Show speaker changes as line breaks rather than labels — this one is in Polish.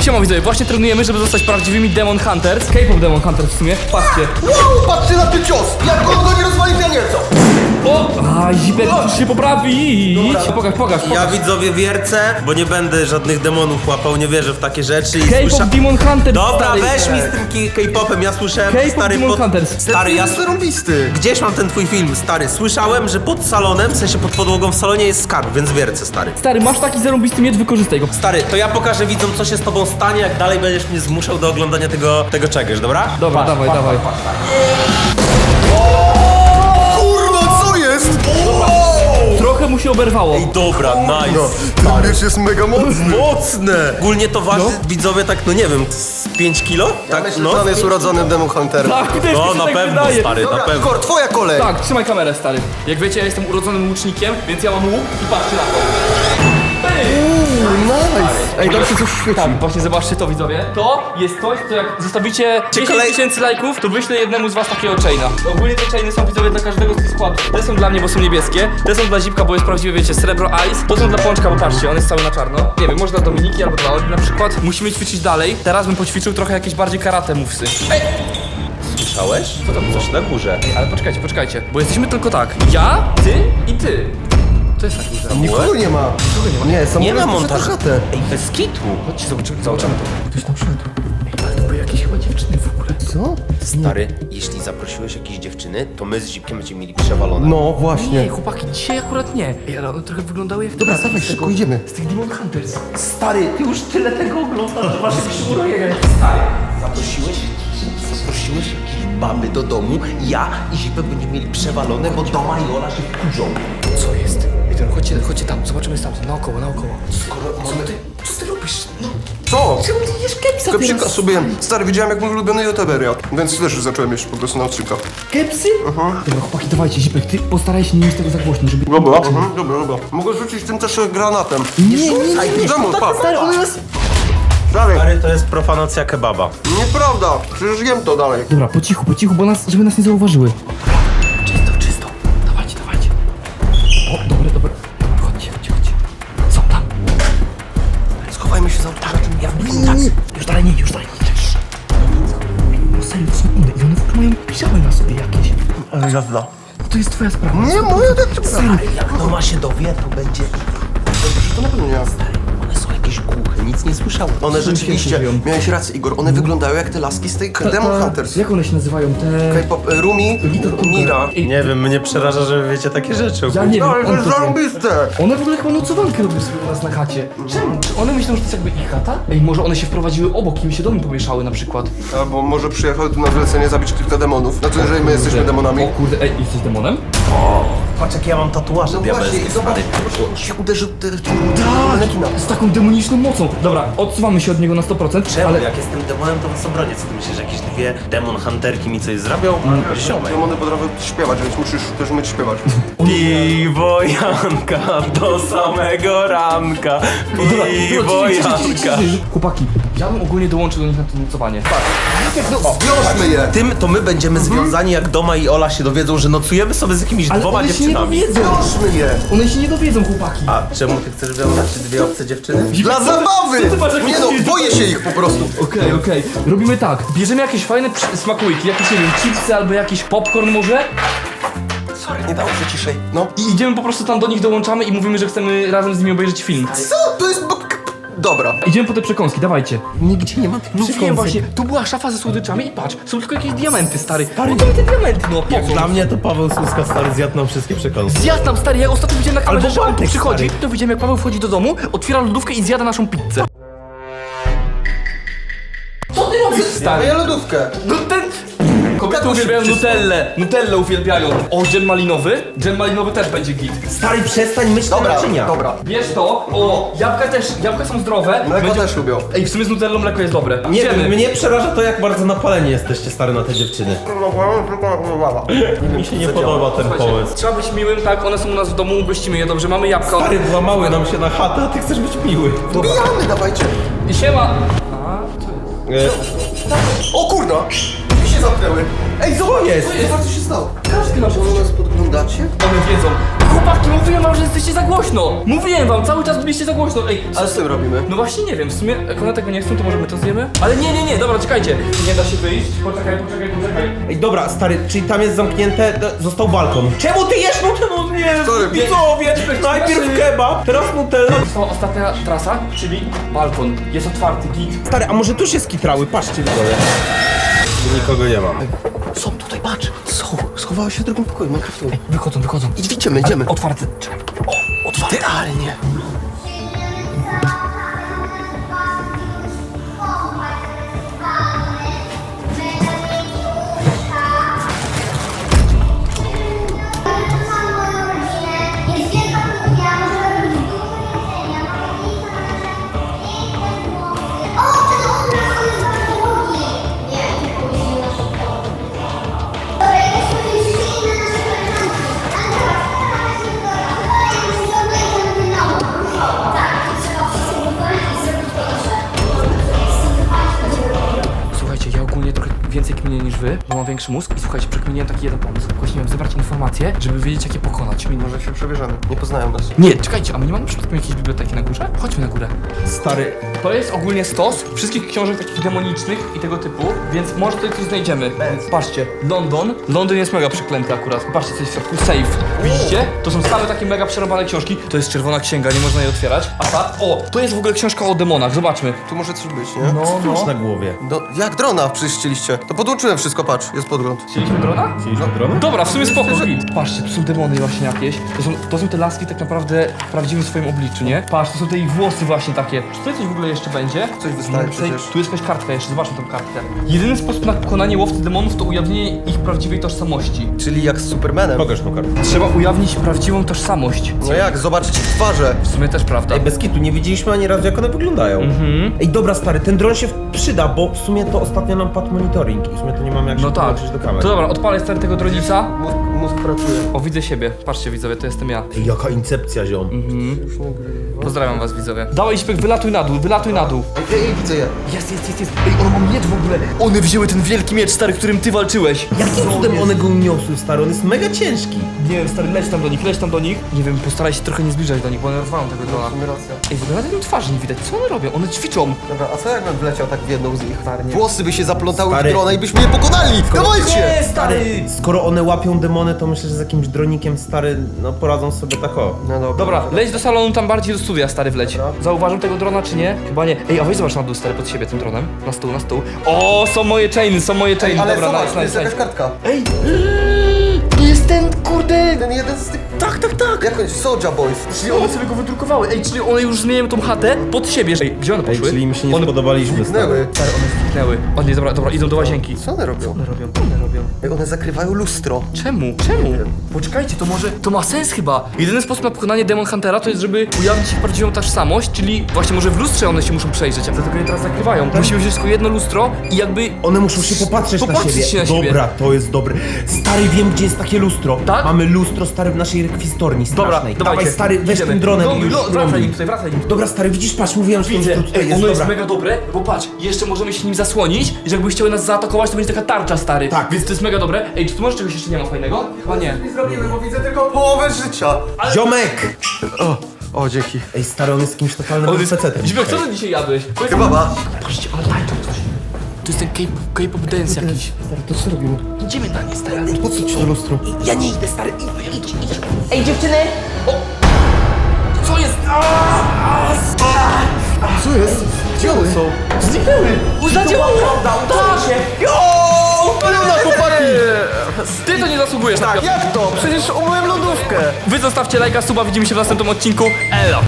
Siema widzowie, właśnie trenujemy, żeby zostać prawdziwymi Demon Hunters. K-pop Demon Hunters w sumie, patrzcie.
Wow, patrzcie na ten cios! Jak on go nie rozwali, to nieco!
O! A, Zipek, musisz się poprawić. Pokaż.
Ja widzowie wiercę, bo nie będę żadnych demonów łapał, nie wierzę w takie rzeczy i
K-pop Demon Hunters.
Dobra,
stary.
weź mi z tym K-popem, ja słyszałem,
K-pop
stary,
Demon Hunters.
stary, ja...
jest zarąbisty!
Gdzieś mam ten twój film, stary, słyszałem, że pod salonem, w sensie pod podłogą w salonie jest skarb, więc wiercę, stary.
Stary, masz taki zarąbisty miecz, wykorzystaj go.
Stary, to ja pokażę widzom, co się z tobą stanie, jak dalej będziesz mnie zmuszał do oglądania tego czegoś, dobra?
Dobra, dawaj.
Kurwa, co jest?
Trochę mu się oberwało.
Ej, dobra, nice.
No, ten miecz jest mega mocny!
Mocne! Ogólnie to waży, widzowie, tak, no nie wiem, z 5 kilo?
Ja myślę, że on jest urodzonym Demon Hunterem.
Tak, też mi
No,
się
na
tak
pewno,
wydaje.
stary, na pewno.
Igor, twoja kolej!
Tak, trzymaj kamerę, stary. Jak wiecie, ja jestem urodzonym łucznikiem, więc ja mam łuk i patrzcie na to.
Nice! Ej, tam się coś świeci.
Tak, właśnie zobaczcie to, widzowie. To jest coś, co jak zostawicie 10 000 lajków, to wyślę jednemu z was takiego chaina. Ogólnie te chainy są, widzowie, dla każdego z tych składów. Te są dla mnie, bo są niebieskie. Te są dla Zipka, bo jest prawdziwe, wiecie, srebro ice. To są dla Pączka, bo patrzcie, on jest cały na czarno. Nie wiem, może dla Dominiki albo dla Oli na przykład. Musimy ćwiczyć dalej. Teraz bym poćwiczył trochę jakieś bardziej karate move'sy. Ej!
Słyszałeś? Co tam, coś na górze?
Ale poczekajcie, bo jesteśmy tylko tak. Ja, ty i ty. To jest tak górze.
Nikogo nie ma. Nie, są
Nie ma
montażu.
montażu. Ej, bez kitu.
Chodźcie, zobaczymy to. Ktoś tam szedł. Ej, ale to były jakieś chyba dziewczyny w ogóle.
Co?
Stary, jeśli zaprosiłeś jakieś dziewczyny, to my z Zipkiem będziemy mieli przewalone.
No,
Nie,
właśnie.
chłopaki, dzisiaj akurat nie. Ej, ale one trochę wyglądały jak...
Dobra, dawaj, szybko idziemy.
Z tych Demon Hunters.
Stary, ty już tyle tego oglądasz, że masz jakieś urojenia. Stary, zaprosiłeś jakieś baby do domu, ja i Zipek będziemy mieli przewalone, bo Doma i Ola się wkurzą.
Co jest? Ej, to chodźcie tam, zobaczymy stamtąd, naokoło.
Skoro mamy...
Co ty robisz? No,
Co?
czemu ty jesz kepsa
Kepsika sobie. Stary, widziałem jak mój ulubiony youtuber jadł, więc też zacząłem jeść po prostu na odcinkach.
Kepsy? Dobra, chłopaki, dawajcie, Zipek, ty postaraj się nie mieć tego za głośno, żeby...
Dobra, dobra. Mogę rzucić tym też granatem.
Nie.
Demon, patrz.
Stary, on jest...
Stary, to jest profanacja kebaba.
Nieprawda, przecież jem to dalej.
Dobra, po cichu, bo żeby nas nie zauważyły. Czysto. Dawajcie. O, dobra. Chodźcie. Są tam.
Schowajmy się za ołtarzem.
Ja Już dalej nie. No serio, to są one i one w ogóle mają piżamy na sobie jakieś.
Ale jazda.
To jest twoja sprawa.
Nie, moja decyzja.
Jak Doma się dowie, to będzie...
To na pewno nie.
One są jakieś głuche, nic nie słyszały.
One rzeczywiście,
mówią.
miałeś rację, Igor, one wyglądają jak te laski z tej Demon Hunters.
Jak one się nazywają? Te...
K-pop, Rumi, Mira.
Nie wiem, mnie przeraża, że wy wiecie takie rzeczy.
Ja nie wiem,
Ale to
on
jest
to wie.
zarąbiste.
One w ogóle chyba nocowankę robią sobie u nas na chacie. Czemu? Czy one myślą, że to jest jakby ich chata? Ej, może one się wprowadziły obok i mi się domy pomieszały na przykład.
Albo może przyjechały tu na zlecenie zabić kilka demonów. Na to, że my jesteśmy demonami.
O kurde, ej, jesteś demonem?
Patrz, jakie ja mam tatuaże diabelskie,
zobacz,
stary.
się uderzył
Z taką demoniczną mocą. Dobra, odsuwamy się od niego na 100%,
Czemu?
ale...
Jak jestem demonem, to was obronię. Co ty myślisz, że jakieś dwie demon hunterki mi coś zrobią? Ziomek.
Demony potrafią śpiewać, więc musisz też umieć śpiewać.
Piwo Janka do samego ranka. Piwo Janka.
Chłopaki, ja bym ogólnie dołączył do nich na to nocowanie.
Zwiążmy je!
Tym to my będziemy związani, jak Doma i Ola się dowiedzą, że nocujemy sobie z jakimiś
Ale
dwoma
one się nie
dziewczynami.
dowiedzą.
Zwiążmy je!
One się nie dowiedzą, chłopaki.
A czemu ty chcesz wiązać dwie obce dziewczyny?
Dla zabawy!
Co ty masz jakieś
Nie no,
dzieci?
boję się ich po prostu.
Okej. Robimy tak. Bierzemy jakieś fajne smakołyki, jakieś, nie wiem, chipsy albo jakiś popcorn może
Sorry, nie dało się ciszej. No.
i idziemy po prostu tam do nich, dołączamy i mówimy, że chcemy razem z nimi obejrzeć film.
Co? To jest... Dobra.
Idziemy po te przekąski, dawajcie.
Nigdzie nie ma tych
Wiem właśnie, tu była szafa ze słodyczami i patrz, są tylko jakieś diamenty, stary. Stary, to te diamenty, no.
Jak dla mnie to Paweł Słuska stary zjadł nam wszystkie przekąski.
Zjadł nam, stary, ja ostatnio widziałem na kamerze,
Albo
że on
Bartek,
przychodzi,
stary.
to widziałem jak Paweł wchodzi do domu, otwiera lodówkę i zjada naszą pizzę. Co ty robisz, stary?
Daję lodówkę.
No ten... Kobiety uwielbiają Nutellę uwielbiają. O, dżem malinowy? Dżem malinowy też będzie git.
Stary, przestań myć te
Dobra,
naczynia.
dobra.
Bierz to, o, jabłka są zdrowe.
Mleko też lubią.
Ej, w sumie z Nutellą mleko jest dobre.
Nie
Idziemy.
wiem, mnie przeraża to, jak bardzo napaleni jesteście stary na te dziewczyny. Mi się nie podoba ten pomysł.
Trzeba być miłym, tak, one są u nas w domu, gościmy je dobrze, mamy jabłka.
Stary, włamały nam się na chatę, a ty chcesz być miły.
Bijamy, dawajcie.
I siema. A, co jest?
O kurna! Drzwi się zamknęły. Ej, zobacz!
jest?
Zobacz, co się stało.
Każdy nasz
Może nas podglądacie?
One wiedzą. chłopaki, mówiłem wam, że jesteście za głośno. Mówiłem wam, cały czas byliście za głośno. Ej,
Co z tym robimy?
no właśnie nie wiem, w sumie jak one tego nie chcą, to może my to zjemy? Ale nie, dobra, czekajcie. Nie da się wyjść. Poczekaj.
Ej, dobra, stary, czyli tam jest zamknięte, został balkon. Czemu ty jesz Nutellę? Nie,
Sorry,
widzowie! Najpierw kebab, teraz Nutella.
To ostatnia trasa, czyli balkon. Jest otwarty, git.
Stary, a może tu się skitrały? Patrzcie, widzowie. Nikogo nie ma.
Są tutaj, patrz. Są. Schowały się w drugim pokoju, Minecraftu.
Wychodzą.
Idziemy.
Otwarty. Czekaj. O, otwarty.
Idealnie.
Jest wielka kuchnia, możemy robić dużo jedzenia, o, ten obraz, on jest bardzo długi. Nie, nie później nasz Dobra, jesteśmy wyjścili na nasze koleżanki. Andrea, się tak, trzeba wszystko wykonać i zrobić to.
Słuchajcie, ja ogólnie trochę więcej kminię niż wy, bo mam większy mózg i słuchajcie, przekminiłem taki jeden pomysł. Właśnie miałem zebrać informacje, żeby wiedzieć jak je pokonać.
Może się przebierzemy. Nie poznają nas.
Nie, czekajcie, a my nie mamy przypadkiem jakiejś biblioteki na górze? Chodźmy na górę.
Stary,
To jest ogólnie stos wszystkich książek takich demonicznych i tego typu, więc może tutaj coś znajdziemy. Patrzcie, London. Londyn jest mega przeklęty akurat. Patrzcie, co jest w środku. Safe. Widzicie? To są same takie mega przerobane książki. To jest czerwona księga, nie można jej otwierać. A ta, to jest w ogóle książka o demonach, zobaczmy.
Tu może coś być, nie?
no. na głowie.
Jak drona przecież chcieliście. To podłączyłem wszystko, patrz. Jest podgląd.
Chcieliśmy drona?
Chcieliśmy drona?
Dobra, w sumie spoko, git. Patrzcie, tu są demony właśnie jakieś. To są te laski tak naprawdę w prawdziwym swoim obliczu, nie? Patrz, to są te ich włosy właśnie takie. Czy tutaj coś w ogóle jeszcze będzie?
Coś wystaje
Tutaj-
przecież.
Tu jest jakaś kartka jeszcze, zobaczmy tą kartkę. Jedyny sposób na pokonanie łowcy demonów to ujawnienie ich prawdziwej tożsamości.
Czyli jak z Supermanem.
Pokaż tą kartę.
Trzeba ujawnić prawdziwą tożsamość.
No jak? Zobaczyć ich twarze.
W sumie też prawda.
Ej, bez kitu, nie widzieliśmy ani razu jak one wyglądają. Ej, dobra, stary, ten dron się przyda, bo w sumie to ostatnio nam padł monitoring i w sumie to nie mamy jak
No
się
tak.
podłączyć do kamery.
To dobra, odpalę stary tego dronica.
Mózg pracuje.
O, widzę siebie. Patrzcie widzowie, to jestem ja.
Ej, jaka incepcja, ziom.
Pozdrawiam was widzowie. Dawaj Śpek, wylatuj na dół.
Ej, widzę je.
Jest. Ej, on ma miecz w ogóle. One wzięły ten wielki miecz, stary, którym ty walczyłeś.
Jakim cudem one go uniosły, stary? On jest mega ciężki.
Nie wiem, stary, leć tam do nich. Nie wiem, postaraj się trochę nie zbliżać do nich, bo one rozwalą tego drona.
Mamy rację.
Ej, w ogóle na tym twarzy nie widać, co one robią? One ćwiczą.
Dobra, a co jakbym wleciał tak w jedną z nich? Włosy by się zaplątały
Stary.
w drona i byśmy je pokonali! Dawajcie!
Stary, skoro one łapią demony, to myślę, że z jakimś dronikiem, stary, no poradzą sobie tak o.
No dobra.
Dobra, leć do salonu, tam bardziej do studia, stary, wleć.
Dobra.
Zauważam tego drona, czy nie? Chyba nie. Ej, a weź zobacz na dół, stary, pod siebie tym dronem. Na stół. O, są moje chainy.
Ale
Dobra,
zobacz,
nice,
tu jest
nice,
jakaś
nice.
kartka.
Ej, jest ten, kurde.
Ten jeden z tych...
Tak.
Jak on Soulja Boys.
Czyli one sobie go wydrukowały. Ej, czyli one już zmieniają tą chatę pod siebie. Ej, gdzie one
Ej,
poszły?
czyli im się nie
one
spodobaliśmy, stary.
Zniknęły.
Stary, one zniknęły. O nie, dobra, idą do łazienki.
Co one robią?
One robią.
Ej, one zakrywają lustro.
Czemu? Poczekajcie, to może... To ma sens chyba. Jedyny sposób na pokonanie Demon Huntera to jest, żeby ujawnić ich prawdziwą tożsamość, czyli właśnie może w lustrze one się muszą przejrzeć, a dlatego je teraz zakrywają. Musimy wziąć tylko jedno lustro i jakby...
One muszą się popatrzeć na
Popatrzeć
siebie.
się na siebie.
Dobra, to jest dobre. Stary, wiem gdzie jest takie lustro.
Tak?
Mamy lustro, stary, w naszej rekwizytorni
Dobra,
strasznej.
dawajcie.
Dawaj, stary, weź
Idziemy.
tym dronem i już
Wracaj nim
spróbuj.
tutaj.
Dobra, stary, widzisz, patrz, mówiłem, że to
Widzę,
lustro tutaj
ej,
jest,
ono jest
dobra.
mega dobre, bo patrz, jeszcze możemy się nim zasłonić, że jakby chciały nas zaatakować, to będzie taka tarcza, stary.
Tak.
Więc to jest mega dobre. Ej, czy tu może czegoś jeszcze nie ma fajnego? Chyba nie.
Nie zrobimy, bo widzę tylko połowę życia.
Ziomek!
O, dzięki.
Ej, stary, on jest jakimś totalnym
On jest...
facetem.
Zibek, co ty dzisiaj jadłeś?
Kebaba.
Patrzcie, ale tańczą coś. To jest ten K-pop dance jakiś.
Stary, to co robimy?
Idziemy na nie, stary.
Po co ci to lustro?
Ja nie idę, stary. Idź.
Ej, dziewczyny!
Co jest?
Co jest? Gdzie one są?
Zniknęły! Zadziałało! Udało się! Ty to nie zasługujesz na
Jak to? Przecież umyłem lodówkę.
Wy zostawcie lajka, suba, widzimy się w następnym odcinku. Elo!